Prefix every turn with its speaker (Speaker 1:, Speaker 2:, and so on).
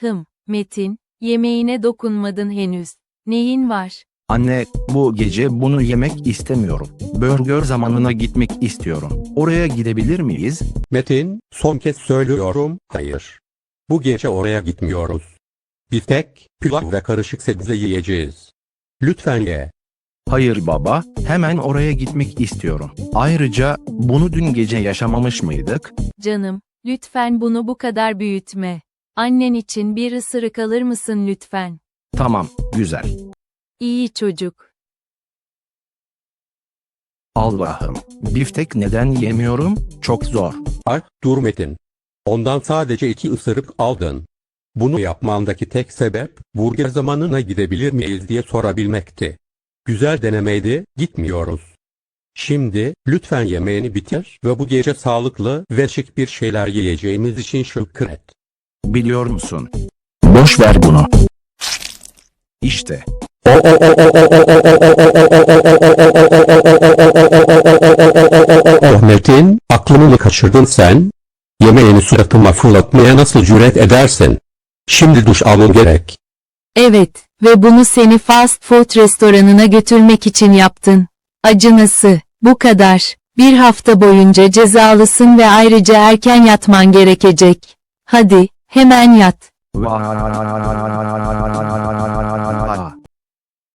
Speaker 1: Metin, yemeğine dokunmadın henüz. Neyin var?
Speaker 2: Anne, bu gece bunu yemek istemiyorum. Burger zamanına gitmek istiyorum. Oraya gidebilir miyiz?
Speaker 3: Metin, son kez söylüyorum, hayır. Bu gece oraya gitmiyoruz. Biftek, pilav ve karışık sebze yiyeceğiz. Lütfen ye.
Speaker 2: Hayır baba, hemen oraya gitmek istiyorum. Ayrıca, bunu dün gece yaşamamış mıydık?
Speaker 1: Canım, lütfen bunu bu kadar büyütme. Annen için bir ısırık alır mısın lütfen?
Speaker 2: Tamam, güzel.
Speaker 1: İyi çocuk.
Speaker 2: Allah'ım, biftek neden yemiyorum? Çok zor.
Speaker 3: Ay, dur Metin. Ondan sadece 2 ısırık aldın. Bunu yapmandaki tek sebep, burger zamanına gidebilir miyiz diye sorabilmekti. Güzel denemeydi, gitmiyoruz. Şimdi, lütfen yemeğini bitir ve bu gece sağlıklı ve şık bir şeyler yiyeceğimiz için şükret.
Speaker 2: Biliyor musun? Boş ver bunu. İşte.
Speaker 3: Metin, aklını mı kaçırdın sen? Yemeğini suratıma fırlatmaya nasıl cüret edersin? Şimdi duş almam gerek.
Speaker 1: Evet, ve bunu seni fast food restoranına götürmek için yaptın. Acınası, bu kadar. Bir hafta boyunca cezalısın ve ayrıca erken yatman gerekecek. Hadi, hemen yat.
Speaker 2: Vaa.